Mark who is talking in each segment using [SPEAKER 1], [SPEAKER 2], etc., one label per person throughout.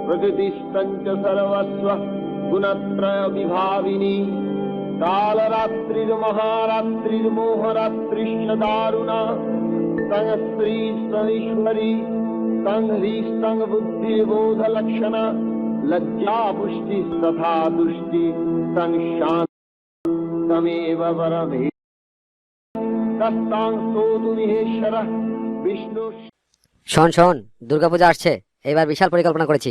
[SPEAKER 1] प्रकृतिस्तञ्च सर्वस्व गुणत्रय विभाविनी कालरात्रिर्महारात्रिर्मोहरात्रिश्च दारुणा तं स्त्री समीश्वरी तं ह्रीस्तं बुद्धिर्बोधलक्षणा लज्जा पुष्टिस्तथा तुष्टि तं शान्तमेव परमे तस्तां स्तोतु महेश्वरः विष्णु।
[SPEAKER 2] শোন শোন, দুর্গাপূজা আসছে, এবার বিশাল পরিকল্পনা করেছি।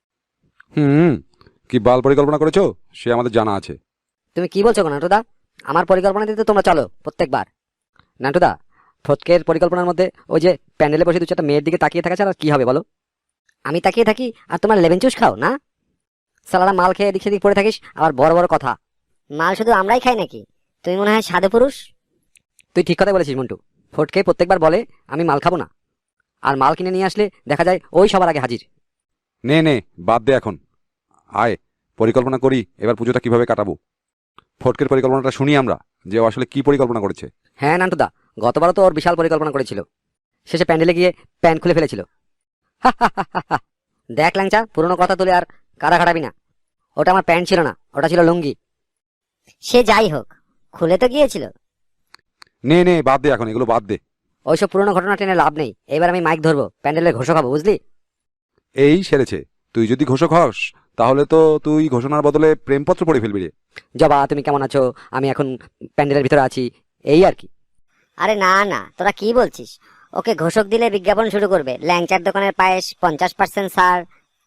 [SPEAKER 3] কি বাল পরিকল্পনা করেছো সে আমাদের জানা আছে।
[SPEAKER 2] তুমি কি বলছো নান্টুদা? আমার পরিকল্পনা দিতে তোমরা চলো প্রত্যেকবার। নান্টুদা, ফটকের পরিকল্পনার মধ্যে ওই যে প্যান্ডেলে বসে দু চারটা মেয়ের দিকে তাকিয়ে থাকা ছাড়া কি হবে বলো? আমি তাকিয়ে থাকি আর তোমার লেবেন চুষ খাও না? সালাদা মাল খেয়ে এদিক সেদিক পড়ে থাকিস, আবার বড় বড় কথা।
[SPEAKER 4] মাল শুধু আমরাই খাই নাকি? তুমি মনে হয় সাধু পুরুষ।
[SPEAKER 2] তুই ঠিক কথাই বলেছিস মন্টু। ফটকে প্রত্যেকবার বলে আমি মাল খাবো না, আর মাল কিনে নিয়ে আসলে দেখা যায় ওই সবার আগে হাজির।
[SPEAKER 3] নে নে বাদ দে এখন, আয় পরিকল্পনা করি এবার পুজোটা কিভাবে কাটাবো। ফটকের পরিকল্পনাটা শুনি আমরা, যে ও আসলে কি পরিকল্পনা করেছে।
[SPEAKER 2] হ্যাঁ নান্টুদা, গতবারও তো ওর বিশাল পরিকল্পনা করেছিল, শেষে প্যান্ডেলে গিয়ে প্যান্ট খুলে ফেলেছিল। দেখ ল্যাংচা, পুরনো কথা তুলে আর কারা খাটাবি না। ওটা আমার প্যান্ট ছিল না, ওটা ছিল লুঙ্গি।
[SPEAKER 4] সে যাই হোক, খুলে তো গিয়েছিল।
[SPEAKER 3] নে নে বাদ দে এখন, এগুলো বাদ দে।
[SPEAKER 2] ওইসব পুরনো ঘটনা টেনে লাভ নেই। এবার আমি মাইক ধরবো, প্যান্ডেলের ঘোষক হবো, বুঝলি?
[SPEAKER 3] এই সেরেছে, তুই যদি ঘোষক হস তাহলে তো তুই ঘোষণার বদলে প্রেমপত্র পড়ে ফেলবি রে।
[SPEAKER 2] জবা, তুমি কেমন আছো? আমি এখন প্যান্ডেলের ভিতরে আছি, এই আর কি।
[SPEAKER 4] আরে না না, তোরা কি বলছিস? ওকে ঘোষক দিলে বিজ্ঞাপন শুরু করবে, ল্যাংচার দোকানের পায়েস 50% ছাড়।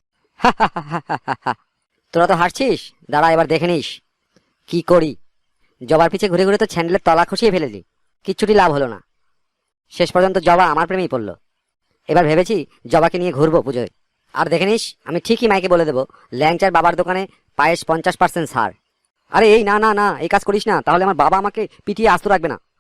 [SPEAKER 2] তোরা তো হাসছিস, দাঁড়া এবার দেখে নিস কি করি। জবার পিছে ঘুরে ঘুরে তো স্যান্ডেলের তলা খসিয়ে ফেলেছি, কিচ্ছুটি লাভ হলো না। শেষ পর্যন্ত জবা আমার প্রেমেই পড়লো। এবার ভেবেছি জবাকে নিয়ে ঘুরবো পুজোয়। আর দেখে নিস, আমি ঠিকই মাইকে বলে দেবো ল্যাংচার বাবার দোকানে পায়েস 50% ছাড়। আরে এই না না না, এই কাজ করিস না, তাহলে আমার বাবা আমাকে পিটিয়ে আস্ত রাখবে না।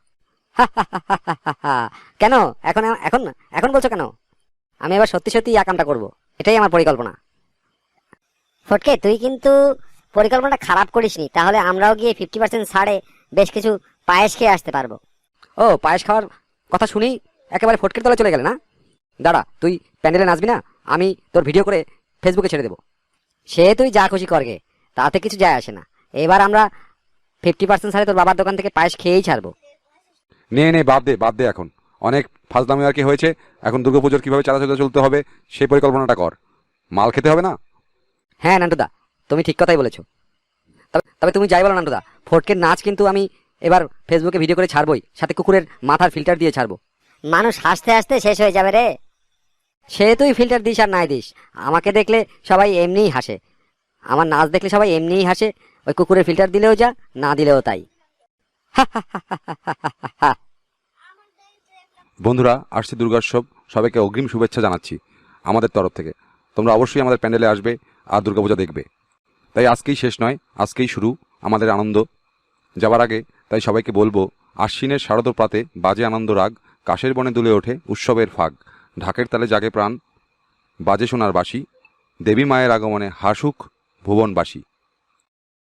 [SPEAKER 2] কেন এখন এখন এখন বলছো কেন? আমি এবার সত্যি সত্যি এই কামটা করবো, এটাই আমার পরিকল্পনা।
[SPEAKER 4] ফটকে, তুই কিন্তু পরিকল্পনাটা খারাপ করিসনি, তাহলে আমরাও গিয়ে 50% ছাড়ে বেশ কিছু পায়েস খেয়ে আসতে পারবো।
[SPEAKER 2] ও, পায়েস খাওয়ার কথা শুনেই একেবারে ফটকের তলে চলে গেলে না? দাঁড়া, তুই প্যান্ডেলে নাচবি না, আমি তোর ভিডিও করে ফেসবুকে ছেড়ে দেবো। সে তুই যা খুশি করগে, তাতে কিছু যায় আসে না। এবার আমরা 50% ছাড়ে তোর বাবার দোকান থেকে পায়েস খেয়েই ছাড়বো।
[SPEAKER 3] নে নে বাদ দে এখন, অনেক ফাজলামি আর কি হয়েছে। এখন দুর্গাপুজোর কিভাবে চালাচলে চলতে হবে সেই পরিকল্পনাটা কর। মাল খেতে হবে না?
[SPEAKER 2] হ্যাঁ নান্টুদা, তুমি ঠিক কথাই বলেছো। তবে তুমি যাই বলো নান্টুদা, ফটকের নাচ কিন্তু আমি এবার ফেসবুকে ভিডিও করে ছাড়বই, সাথে কুকুরের মাথার ফিল্টার দিয়ে ছাড়বো।
[SPEAKER 4] মানুষ হাসতে হাসতে শেষ হয়ে যাবে রে।
[SPEAKER 2] সে তুই ফিল্টার দিস আর নাই দিস, আমাকে দেখলে সবাই এমনিই হাসে। আমার নাচ দেখলে সবাই এমনিই হাসে, ওই কুকুরের ফিল্টার দিলেও যা, না দিলেও তাই।
[SPEAKER 3] বন্ধুরা, আসছে দুর্গোৎসব, সবাইকে অগ্রিম শুভেচ্ছা জানাচ্ছি আমাদের তরফ থেকে। তোমরা অবশ্যই আমাদের প্যান্ডেলে আসবে আর দুর্গাপূজা দেখবে। তাই আজকেই শেষ নয়, আজকেই শুরু আমাদের আনন্দ। যাবার আগে তাই সবাইকে বলবো, আশ্বিনের শারদ প্রাতে বাজে আনন্দ রাগ, কাশের বনে দুলে ওঠে উৎসবের ফাগ, ঢাকের তালে জাগে প্রাণ, বাজে সোনার বাঁশি, দেবী মায়ের আগমনে হাসুক ভুবনবাসী।